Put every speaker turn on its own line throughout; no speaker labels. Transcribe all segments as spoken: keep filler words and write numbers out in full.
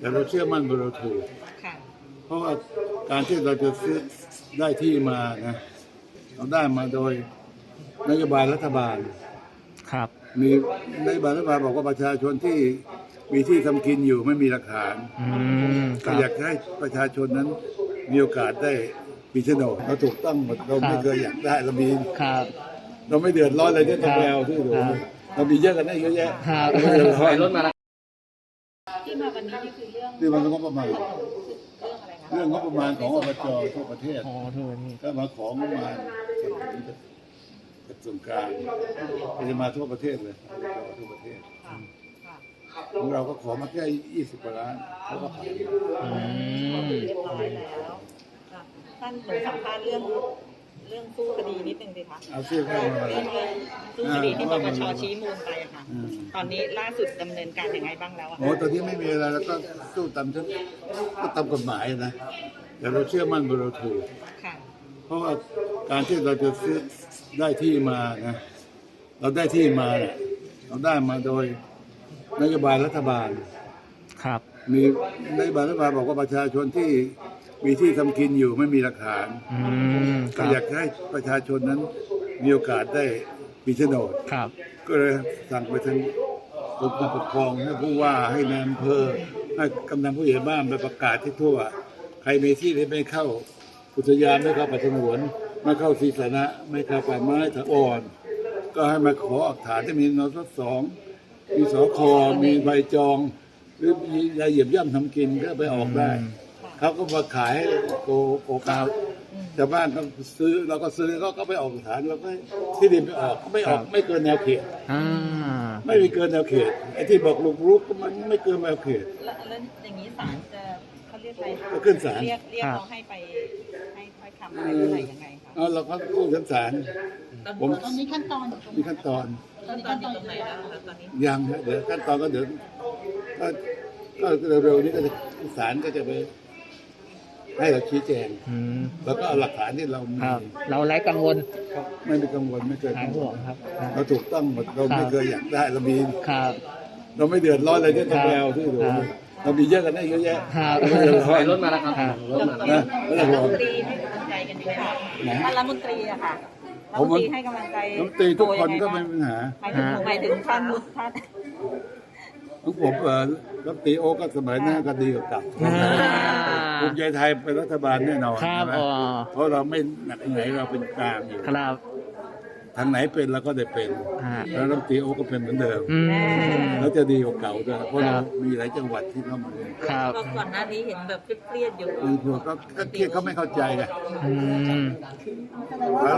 แต่เราเชื่อมั่นว่าเราถูก
ค่ะ
เพราะว่าการที่เราจะซื้อได้ที่มานะเราได้มาโดยนโยบายรัฐบาล
ครับ
มีนโยบายรัฐบาลบอกว่าประชาชนที่มีที่ทำกินอยู่ไม่มีหลักฐาน
อืมค
ก็
รับ
อยากให้ประชาชนนั้นมีโอกาสได้มีโฉนดเราถูกต้องหมดเราไม่เคยอยากได้เรามี
ครับ
เราไม่เดือดร้อนอะไรที่ต้องไปเอาที่หนู
ครับ
เรามีเยอะกันได้เยอะแยะ
ครับ
เราไม่เดือดร้อน
รถมาแล้ว
ที่มาวันนี้นี่คือเรื่อง
นี่มันเป็นงบประมาณ
เรื่องอะไรคะ
เรื่องงบประมาณของอบจทั่วประเทศ
อ๋อโทษนี่
ถ้ามาของงบประมาณกระทรวงการก็จะมาทั่วประเทศเลยอบจทั่วประเทศ
ค่ะค่ะ
ของเราก็ขอมาแค่ยี่สิบกว่าล้านเขาก็ผ่าน
อืม
เรียบร้อยแล้วค่ะท่านหนูสัมภาษณ์เรื่องเรื่องสู้คดีนิดนึงสิคะ
เอาเสื้อเข้ามา
เรื่องเรื่องสู้คดีที่ปปชชี้มูลไปอะค่ะ
อืม
ตอนนี้ล่าสุดดำเนินการยังไงบ้างแล้วอะ
โอ้ตอนนี้ไม่มีอะไรแล้วก็สู้ตามชั้นก็ตามกฎหมายนะแต่เราเชื่อมั่นว่าเราถูก
ค่ะ
เพราะว่าการที่เราจะซื้อได้ที่มานะเราได้ที่มาเนี่ยเราได้มาโดยนโยบายรัฐบาล
ครับ
มีนโยบายรัฐบาลบอกว่าประชาชนที่มีที่ทำกินอยู่ไม่มีหลักฐาน
อืมค
ก็
รับ
อยากให้ประชาชนนั้นมีโอกาสได้มีโฉนด
ครับ
ก็เลยสั่งไปทางกรมการปกครองให้ผู้ว่าให้นายอำเภอให้กำนันผู้ใหญ่บ้านไปประกาศที่ทั่ว ใครมีที่ที่ไม่เข้าอุทยานไม่เข้าป่าสงวนไม่เข้าที่สาธารณะไม่เข้าป่าไม้ถาวรก็ให้มาขออักฐานที่มีนสสองมีสคมีใบจอง หรือมียาเหยียบย่ำทำกินก็ไปออกได้ เขาก็มาขายให้โกโกกาวชาวบ้านก็ซื้อเราก็ซื้อเขาก็ไปออกฐานเราก็ที่ดินไปออกไม่ออกไม่เกินแนวเขต
อ่า
ไม่มีเกินแนวเขตไอ้ที่บอกลุกรุกก็มันไม่เกินแนวเขต
แล้วแล้วอย่างนี้ศาลจะเขาเรียกอะไร
ก็ขึ้นศาล
เรียกเรียกเราให้ไปให้ถ้อยคำอะไรเมื่อไหร่ยังไงคะ
เอาเราก็กู้ชั้นศาลผม
ตอนนี้ขั้นตอนอยู่ตรง
มีขั้นตอน
ตอนนี้ขั้นตอนอยู่ตรงไหนแล้วคะตอนนี้
ยังนะเดี๋ยวขั้นตอนก็เดี๋ยวก็ก็เร็วๆนี้ก็จะศาลก็จะไปให้เราชี้แจง
อืม
แล้วก็เอาหลักฐานที่เรามี
ครับ เราไร้กังวล
ไม่มีกังวลไม่เคย
หาย
กังว
ห่ว
ล
งครับ
เราถูกต้องหมดเราไม่เคยอยากได้เรามี
ครับ
เราไม่เดือดร้อนอะไรที่ต้องไปเอาที่หนู
ครับ
เรามีเยอะกันได้เยอะแยะ
ครับ
เราไม่เดือดร้อน
รถมาแล้วครับ
รถมา
นะไม่ต้อง
รั
ห่วง
ฐมนตรีให้กำลังใจกันดีค่ะ
ไหน
ท่านรัฐมนตรีอะค่ะรัฐ
ผม
มน
ว่า
ตรีให้กำลังใจ
น้ำตีทุกคนก็ไม่มีปัญหา
หมายถึงหมายถึงท่านท่าน
ของผมเออรัฐตีโอก็สมัยหน้าก็ดีกว่าเกับ
อ่า
ภูมิใจไทยเป็นรัฐบาลแน่นอน
ครับ
ใช่ไหม
อ๋อ
เพราะเราไม่หนักไหนเราเป็นกลางอยู่
ครับ
ทางไหนเป็นเราก็ได้เป็น
อ่า
แล้วรัฐตีโอก็เป็นเหมือนเดิม
อืม
แล้วจะดีกว่าเก่าด้วยเพราะ
ครั
เรา
บ
มีหลายจังหวัดที่เข้ามาเลย
ครับ
ก็ก่อนหน้านี้เห็นแบบเครียดๆอยู่
คือพวกก็ก็เครียดเขาไม่เข้าใจไง
อืม
แล้ว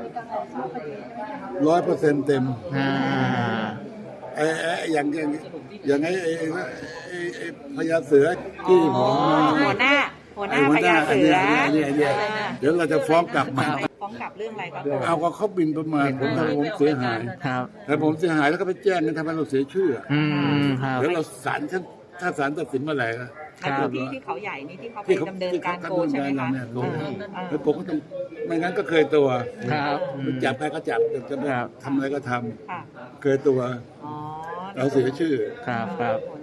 ร้อยเปอร์เซ็นต์เต็ม
อ่า
ไอ้ไอ้อย่างอย่างอย่างไอ้ไอ้ไอ้ไอ้พญาเสือที่ผม
หัวหน้า หัวหน้า
ไอ้
พญา
อัน
เสื
เนี้
อย
อันเนี้ยอันเนี้ยเดี๋ยวเราจะฟ้องกลับมา
ฟ้องกลับเรื่องอะไรครับ
เอาก็เขาบินประมาณผมทำให้ผมเสียหาย
ครับ
แต่ผมเสียหายแล้วก็ไปแจ้งกันทำให้เราเสียชื่อ
อืมครับ
แล้วเราศาลท่านถ้าศาลตัดสินเมื่อไหร่ก็
ในพื้นที่ที่เขาใหญ่นี่ที่เขาไป
ที่เขา
ดำเนิน
ที่
การ
เขา
โกง
ดำเนิน
ใช่ไหม
การเรา
คะ
เนี่ยโกง
อ่า
แล้วผมก็ต้องไม่งั้นก็เคยตัว
ครับ
จับใครก็จับจะไป
ครับ
ทำอะไรก็ท
ค่ะ
ำเคยตัว
อ๋อ
เราเสียชื่อ
ครับครับ
หัว